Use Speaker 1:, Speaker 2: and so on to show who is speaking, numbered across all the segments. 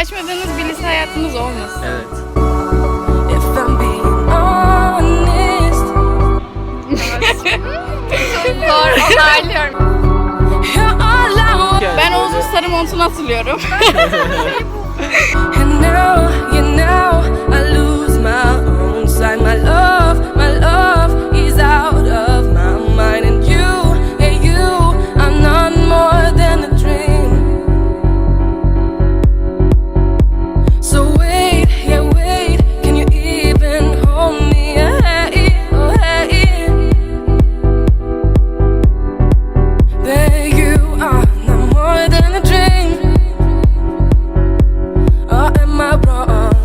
Speaker 1: açmadığınız bir lise hayatınız olmasın.
Speaker 2: Evet.
Speaker 1: Doğru, onaylıyorum. Ben Oğuz'un sarı montunu hatırlıyorum.
Speaker 3: And now I lose my own sight. My love is out of my mind. And you are none more than a dream. So wait, can you even hold me? Oh, hey. There you are, none more than a dream. Or am I wrong?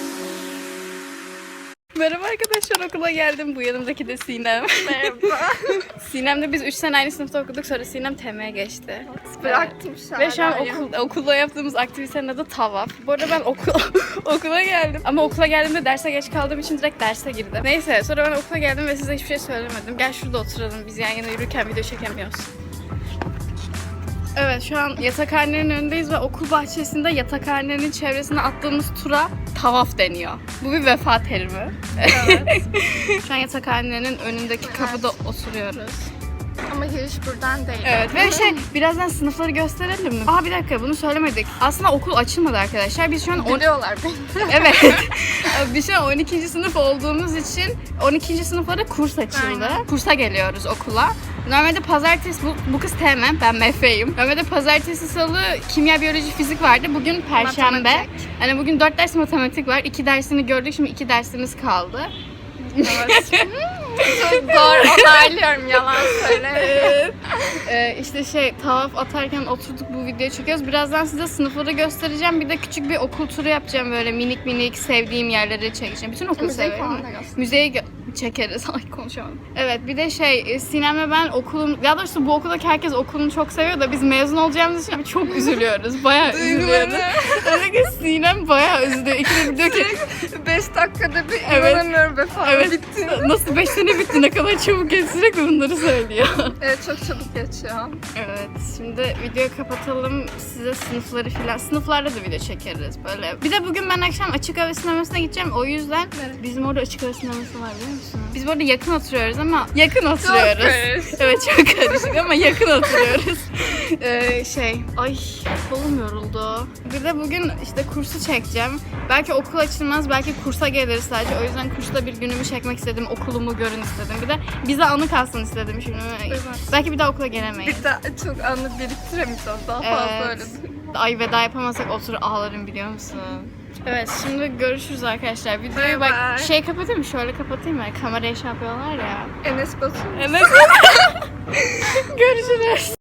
Speaker 1: Merhaba arkadaşlar, okula geldim. Bu yanımdaki de Sinem.
Speaker 4: Merhaba.
Speaker 1: Sinem'le biz 3 sene aynı sınıfta okuduk, sonra Sinem TEM'e geçti.
Speaker 4: Bıraktım şu an.
Speaker 1: Ve şu an okulda yaptığımız aktivitenin adı tavaf. Bu arada ben okula geldim. Ama okula geldiğimde derse geç kaldığım için direkt derse girdim. Neyse, sonra ben okula geldim ve size hiçbir şey söylemedim. Gel şurada oturalım, biz yan yana yürürken video çekemiyoruz. Evet, şu an yatakhanenin önündeyiz ve okul bahçesinde yatakhanenin çevresine attığımız tura tavaf deniyor. Bu bir vefa terimi.
Speaker 4: Evet.
Speaker 1: Şu an yatakhanenin önündeki kapıda oturuyoruz.
Speaker 4: Ama giriş buradan değil.
Speaker 1: Evet ve birazdan sınıfları gösterelim mi? Bir dakika, bunu söylemedik. Aslında okul açılmadı arkadaşlar. Biz şu an
Speaker 4: Biliyorlar beni.
Speaker 1: Evet. Biz şu an 12. sınıf olduğumuz için 12. sınıflara kurs açıldı.
Speaker 4: Aynen.
Speaker 1: Kursa geliyoruz okula. Normalde pazartesi, bu kız TM, ben MF'yim. Normalde pazartesi, salı kimya, biyoloji, fizik vardı. Bugün perşembe.
Speaker 4: Matematik.
Speaker 1: Hani bugün 4 ders matematik var. 2 dersini gördük, şimdi 2 dersimiz kaldı.
Speaker 4: Evet. Çok doğru, onaylıyorum, yalan söyle.
Speaker 1: İşte tavaf atarken oturduk, bu videoyu çekiyoruz. Birazdan size sınıfları göstereceğim. Bir de küçük bir okul turu yapacağım, böyle minik sevdiğim yerleri çekeceğim. Bütün okulu
Speaker 4: Müzeyi
Speaker 1: seviyorum.
Speaker 4: falan da göster.
Speaker 1: Müzeyi çekeriz. Ay, konuşamadım. Evet, bir de Sinem'le ben ya doğrusu bu okuldaki herkes okulunu çok seviyor da biz mezun olacağımız için çok üzülüyoruz. Bayağı üzülüyoruz. Özellikle Sinem bayağı üzülüyor. İkide bir diyor ki
Speaker 4: 5 dakikada bir
Speaker 1: Evet.
Speaker 4: inanamıyorum be falan.
Speaker 1: evet,
Speaker 4: Bitti.
Speaker 1: nasıl 5 sene bitti, ne kadar çabuk geçti, sürekli bunları söylüyor.
Speaker 4: Evet, çok çabuk geçiyor.
Speaker 1: Evet, şimdi videoyu kapatalım. Size sınıfları filan, sınıflarda da video çekeriz böyle. Bir de bugün ben akşam açık hava sinemasına gideceğim. O yüzden bizim orada açık hava sineması var, biliyor musun? Biz bu arada yakın oturuyoruz ama yakın oturuyoruz.
Speaker 4: karışık.
Speaker 1: Evet, çok karışık ama yakın oturuyoruz. Ay kolum yoruldu. Bir de bugün işte kursu çekeceğim. Belki okul açılmaz, belki kursa geliriz sadece. O yüzden kursta bir günümü çekmek istedim, okulumu görün istedim. Bir de bize anı kalsın istedim şimdi.
Speaker 4: Evet.
Speaker 1: Belki bir daha okula gelemeyiz.
Speaker 4: Bir daha çok anı biriktiremeyeceğiz. Daha fazla öyle.
Speaker 1: Ay, veda yapamazsak otur ağlarım, biliyor musun? Evet, şimdi görüşürüz arkadaşlar. Videoyu
Speaker 4: Bye
Speaker 1: bak
Speaker 4: bye.
Speaker 1: kapatayım mı? Şöyle kapatayım mı? Kamerayı yapıyorlar ya.
Speaker 4: Enes Batur.
Speaker 1: Evet. Görüşürüz.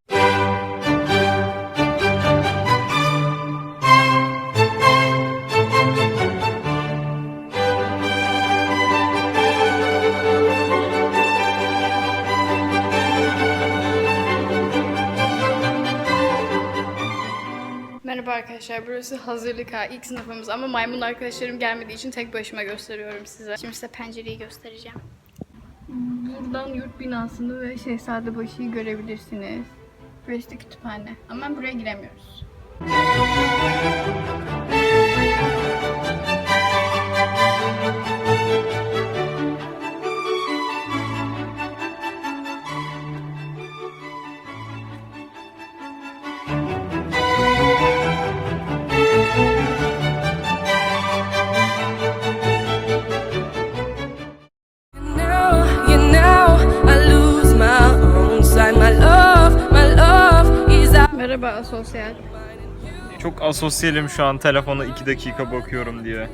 Speaker 1: Merhaba arkadaşlar, burası hazırlık ha, ilk sınıfımız ama maymun arkadaşlarım gelmediği için tek başıma gösteriyorum size. Şimdi size pencereyi göstereceğim. Buradan yurt binasını ve Şehzadebaşı'yı görebilirsiniz. Burası da kütüphane ama buraya giremiyoruz.
Speaker 3: Now I lose my own sight. My love is out.
Speaker 1: Merhaba asosyal.
Speaker 2: Çok asosyalim şu an, telefona 2 dakika bakıyorum diye.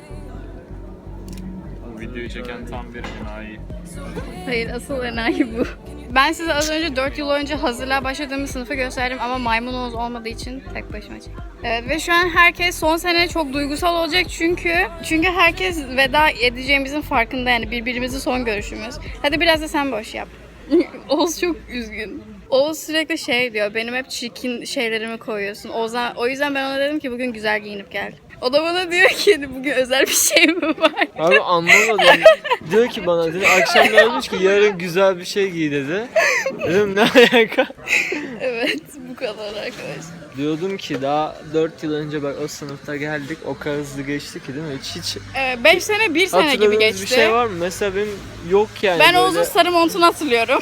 Speaker 2: Bu videoyu çeken tam bir enayi.
Speaker 1: Hayır, asıl enayi bu. Ben size az önce 4 yıl önce hazırlığa başladığımız sınıfı gösterdim ama maymun Oğuz olmadığı için tek başıma çektim. Evet, ve şu an herkes son sene çok duygusal olacak çünkü herkes veda edeceğimizin farkında, yani birbirimizi son görüşümüz. Hadi biraz da sen boş yap. Oğuz çok üzgün. Oğuz sürekli şey diyor, benim hep çirkin şeylerimi koyuyorsun. O yüzden ben ona dedim ki bugün güzel giyinip gel. O da bana diyor ki bugün özel bir şey mi var?
Speaker 5: Abi anlamadım. Diyor ki bana dedi akşam gelmiş ki yarın güzel bir şey giy dedi. Dedim ne alaka?
Speaker 1: Evet, bu kadar arkadaşlar.
Speaker 5: Diyordum ki daha 4 yıl önce bak o sınıfta geldik o kadar hızlı geçti ki değil mi? Hiç
Speaker 1: 5 sene, 1 sene gibi
Speaker 5: hatırladığınız
Speaker 1: geçti.
Speaker 5: bir şey var mı? Mesela benim yok yani.
Speaker 1: Ben
Speaker 5: böyle...
Speaker 1: Oğuz'un sarı montunu hatırlıyorum.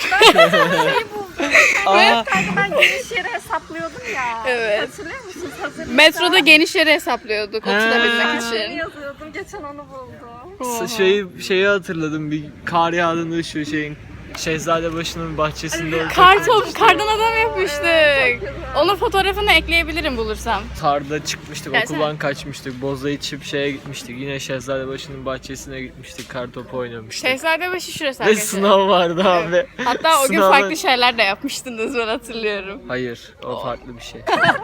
Speaker 5: Aa,
Speaker 4: Kanka ben geniş yeri hesaplıyordum ya.
Speaker 1: Evet.
Speaker 4: Hatırlıyor musunuz? Hazırlıkta
Speaker 1: Metroda geniş yeri hesaplıyorduk oturabilmek
Speaker 4: ben
Speaker 1: için.
Speaker 4: onu yazıyordum. Geçen onu buldum.
Speaker 5: şeyi hatırladım bir kar yağdığında şu şeyin Şehzadebaşı'nın bahçesinde olacak.
Speaker 1: Kardan adam yapmıştık. Onun fotoğrafını ekleyebilirim bulursam.
Speaker 5: Karda çıkmıştık,
Speaker 1: Gelsene.
Speaker 5: okuldan kaçmıştık, boza içip şeye gitmiştik. Yine Şehzadebaşı'nın bahçesine gitmiştik, kar topu oynamıştık.
Speaker 1: Şehzadebaşı şurası
Speaker 5: Ve
Speaker 1: arkadaşlar.
Speaker 5: sınav vardı abi.
Speaker 1: Hatta o gün
Speaker 5: Sınavda-
Speaker 1: farklı şeyler de yapmıştınız, ben hatırlıyorum.
Speaker 5: Hayır, o farklı bir şey.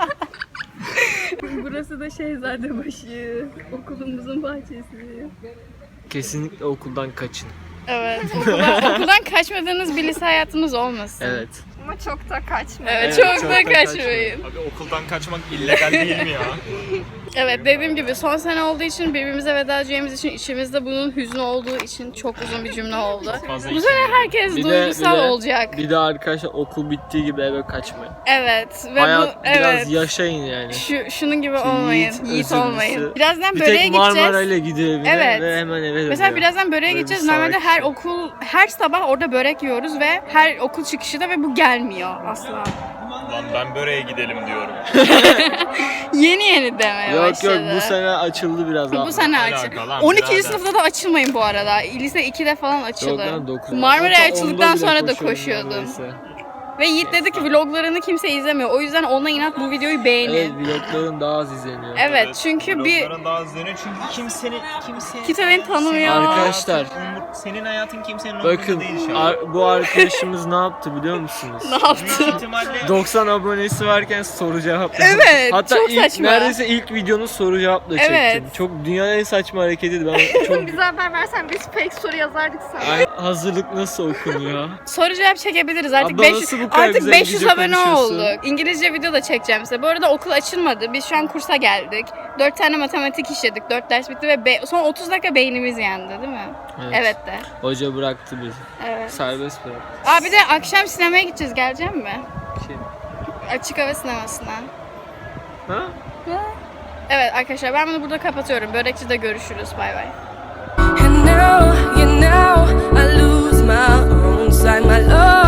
Speaker 1: Burası da Şehzadebaşı. Okulumuzun bahçesi.
Speaker 5: Kesinlikle okuldan kaçın.
Speaker 1: Evet. Okuldan kaçmadığınız bir lise hayatınız olmasın.
Speaker 5: Evet.
Speaker 4: Ama çok da kaçmadı.
Speaker 1: Evet,
Speaker 5: Evet,
Speaker 1: çok
Speaker 5: çok
Speaker 1: da
Speaker 5: da
Speaker 1: kaçmayın.
Speaker 2: Abi okuldan kaçmak illegal değil mi ya?
Speaker 1: Evet, dediğim gibi son sene olduğu için, birbirimize veda edeceğimiz için, içimizde bunun hüznü olduğu için çok uzun bir cümle oldu.
Speaker 2: Fazla
Speaker 1: Bu sene herkes duygusal olacak.
Speaker 5: Bir de arkadaşlar okul bittiği gibi eve kaçmayın.
Speaker 1: Evet ve
Speaker 5: Hayat
Speaker 1: bu
Speaker 5: biraz
Speaker 1: evet.
Speaker 5: yaşayın yani.
Speaker 1: Şunun gibi olmayın. Yiğit
Speaker 5: özürlüsü.
Speaker 1: olmayın. Birazdan
Speaker 5: Bir
Speaker 1: böreğe
Speaker 5: tek Marmara
Speaker 1: gideceğiz.
Speaker 5: ile gidiyor evine
Speaker 1: Evet.
Speaker 5: ve hemen eve dönüyor.
Speaker 1: Mesela birazdan böreğe
Speaker 5: Böyle bir
Speaker 1: gideceğiz. Normalde
Speaker 5: salak
Speaker 1: her
Speaker 5: şey.
Speaker 1: okul, her sabah orada börek yiyoruz ve her okul çıkışı da ve bu gelmiyor asla.
Speaker 2: Lan ben böreğe gidelim diyorum.
Speaker 1: Yeni demeye
Speaker 5: Yok
Speaker 1: başladı.
Speaker 5: yok bu sene açıldı biraz daha.
Speaker 1: Bu sene
Speaker 2: Alaka
Speaker 1: açıldı.
Speaker 2: lan,
Speaker 1: 12.
Speaker 2: birader.
Speaker 1: sınıfta da açılmayın bu arada. Lise 2'de falan
Speaker 5: Yok
Speaker 1: açıldı.
Speaker 5: lan 9.
Speaker 1: Marmara'ya
Speaker 5: Hatta
Speaker 1: açıldıktan
Speaker 5: onda bile
Speaker 1: sonra da
Speaker 5: koşuyorum
Speaker 1: koşuyordum.
Speaker 5: neredeyse.
Speaker 1: Ve Yiğit dedi ki vloglarını kimse izlemiyor. O yüzden ona inat bu videoyu
Speaker 5: Evet
Speaker 1: beğenin.
Speaker 5: vlogların daha az izleniyor.
Speaker 1: Evet, çünkü bir
Speaker 2: Vlogların daha izleniyor çünkü kimse
Speaker 1: kimse beni tanımıyor.
Speaker 5: Arkadaşlar
Speaker 2: senin hayatın kimsenin
Speaker 5: bakın
Speaker 2: umurunda değil şu an.
Speaker 5: bu arkadaşımız ne yaptı biliyor musunuz?
Speaker 1: Ne yaptı?
Speaker 2: İhtimalle
Speaker 5: 90 abonesi varken soru cevap.
Speaker 1: Evet,
Speaker 5: Hatta
Speaker 1: çok
Speaker 5: ilk,
Speaker 1: saçma.
Speaker 5: neredeyse ilk videonu soru cevapla çektim.
Speaker 1: Evet.
Speaker 5: Çok dünyanın en saçma hareketiydi. Ben çok
Speaker 4: Bize haber versen biz fake soru yazardık sana.
Speaker 5: Ay, hazırlık nasıl okunuyor?
Speaker 1: Soru cevap çekebiliriz. Artık
Speaker 5: Abla
Speaker 1: 500,
Speaker 5: nasıl bu kadar
Speaker 1: artık
Speaker 5: güzel
Speaker 1: 500
Speaker 5: İngilizce
Speaker 1: abone
Speaker 5: konuşuyorsun?
Speaker 1: olduk. İngilizce video da çekeceğim size. Bu arada okul açılmadı. Biz şu an kursa geldik. 4 tane matematik işledik. 4 ders bitti ve son 30 dakika beynimiz yandı değil mi? Evet de.
Speaker 5: Hoca bıraktı bizi.
Speaker 1: Evet.
Speaker 5: Serbest bıraktı.
Speaker 1: Aa bir de akşam sinemaya gideceğiz. Gelecek mi?
Speaker 5: Şey.
Speaker 1: Açık hava sinemasına.
Speaker 5: Ha?
Speaker 1: Evet arkadaşlar ben bunu burada kapatıyorum. Börekçide görüşürüz. Bay bay.
Speaker 3: And now, I lose my own sight, my love.